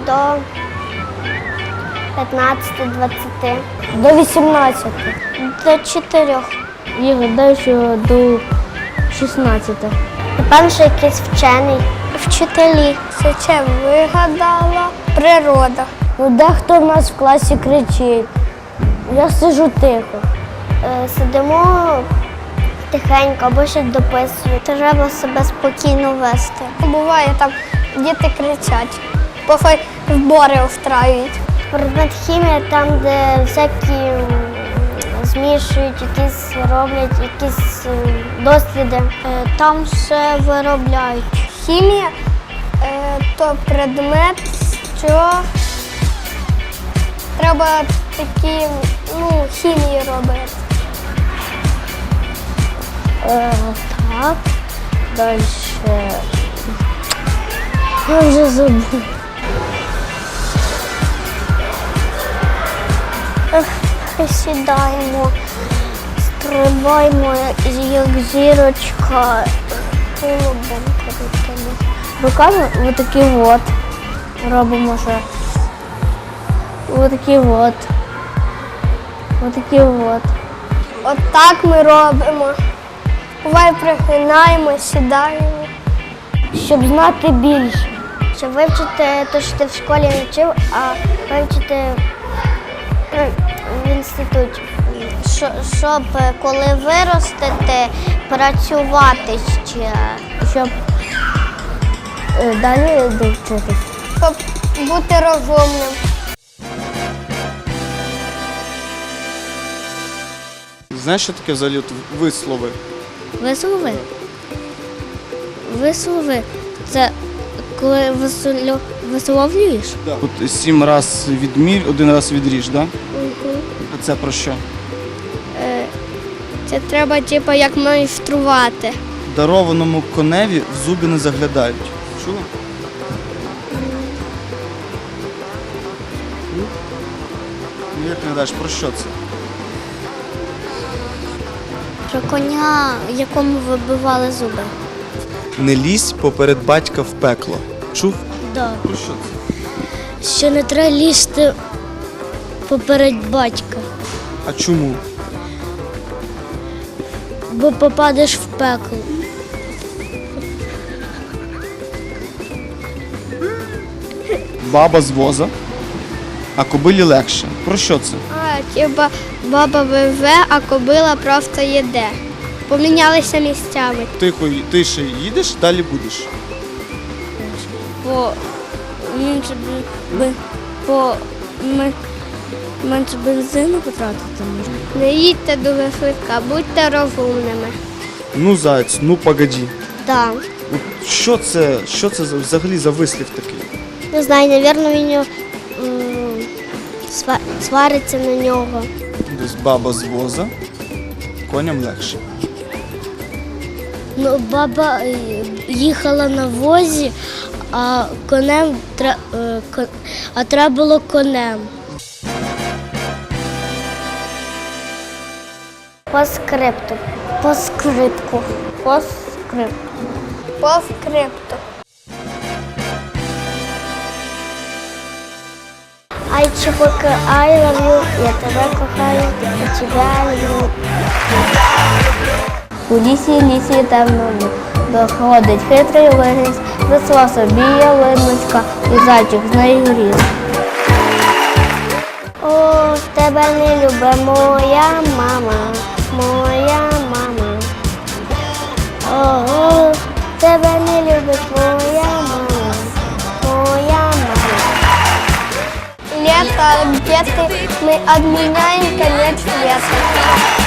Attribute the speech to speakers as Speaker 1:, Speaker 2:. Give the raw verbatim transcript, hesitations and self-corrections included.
Speaker 1: до п'ятнадцяти-двадцяти.
Speaker 2: До вісімнадцяти.
Speaker 1: До чотирьох.
Speaker 2: Я гадаю, що до шістнадцяти.
Speaker 1: Напевно, що якийсь вчений. Вчителі. Це ще вигадала природа.
Speaker 2: Ну, дехто в нас в класі кричить. Я сиджу тихо.
Speaker 1: Е, Сидимо тихенько або щось дописують. Треба себе спокійно вести. Буває, там діти кричать, бо збори устраюють. Предмет хімія там, де всякі м, змішують, якісь роблять, якісь м, досліди. Е, Там все виробляють. Хімія е, то предмет, що треба такі, ну, хімії робити.
Speaker 2: Е, так. Далі. Я вже забув.
Speaker 1: Присідаємо, стрибаємо, як зірочка, тулубом крутимо.
Speaker 2: Руками отакі от. Робимо ще. Отакі от. Отакі от.
Speaker 1: От так ми робимо. Буває, пригинаємо, сідаємо.
Speaker 2: Щоб знати більше.
Speaker 1: Щоб вивчити те, що ти в школі не вчив, а вивчити ну, в інституті. Що- Щоб коли виростете, працювати ще.
Speaker 2: Щоб е, далі довчитись.
Speaker 1: Щоб бути розумним.
Speaker 3: Знаєш, що таке взагалі от вислови?
Speaker 2: Вислови? Вислови – це коли висло- висловлюєш?
Speaker 3: Да. От сім раз відмір, один раз відріж, да? А це про що?
Speaker 1: Це треба, типу, як майструвати.
Speaker 3: Дарованому коневі в зуби не заглядають. Чула? Ну, як ти гадаєш, про що це?
Speaker 1: Про коня, якому вибивали зуби.
Speaker 3: Не лізь поперед батька в пекло. Чув?
Speaker 2: Так.
Speaker 3: Про що це?
Speaker 2: Що не треба лізти поперед батька,
Speaker 3: А чому?
Speaker 2: бо попадеш в пекло.
Speaker 3: Баба з воза, а кобилі легше. Про що це?
Speaker 1: А, типа баба виве, а кобила просто їде. Помінялися місцями.
Speaker 3: Тихо, тише їдеш, далі будеш.
Speaker 2: Бо менше, б- бо ми- менше бензину потратити можна.
Speaker 1: Не їдьте дуже швидко, будьте розумними.
Speaker 3: Ну, заяць, ну погоді.
Speaker 1: Так.
Speaker 3: От що це, що це за- взагалі за вислів такий?
Speaker 1: Не знаю, напевно, він м, сва- свариться на нього.
Speaker 3: Десь баба з воза, коням легше.
Speaker 2: Ну, баба е, їхала на возі, а конем тре- е, ко- а треба було конем.
Speaker 1: По скрипту. По скриптку.
Speaker 2: По скрипту.
Speaker 1: По скрипту. Ай, чуваки, I love you, я тебе кохаю, я тебе люблю.
Speaker 2: У лісі, лісі темному доходить хитрий лис, росла собі ялиночка, і зайчик з нею ріс.
Speaker 1: О, тебе не любить моя мама, моя мама. О, тебе не любить моя мама, моя мама. Лето, где ты? Мы отменяем конец света.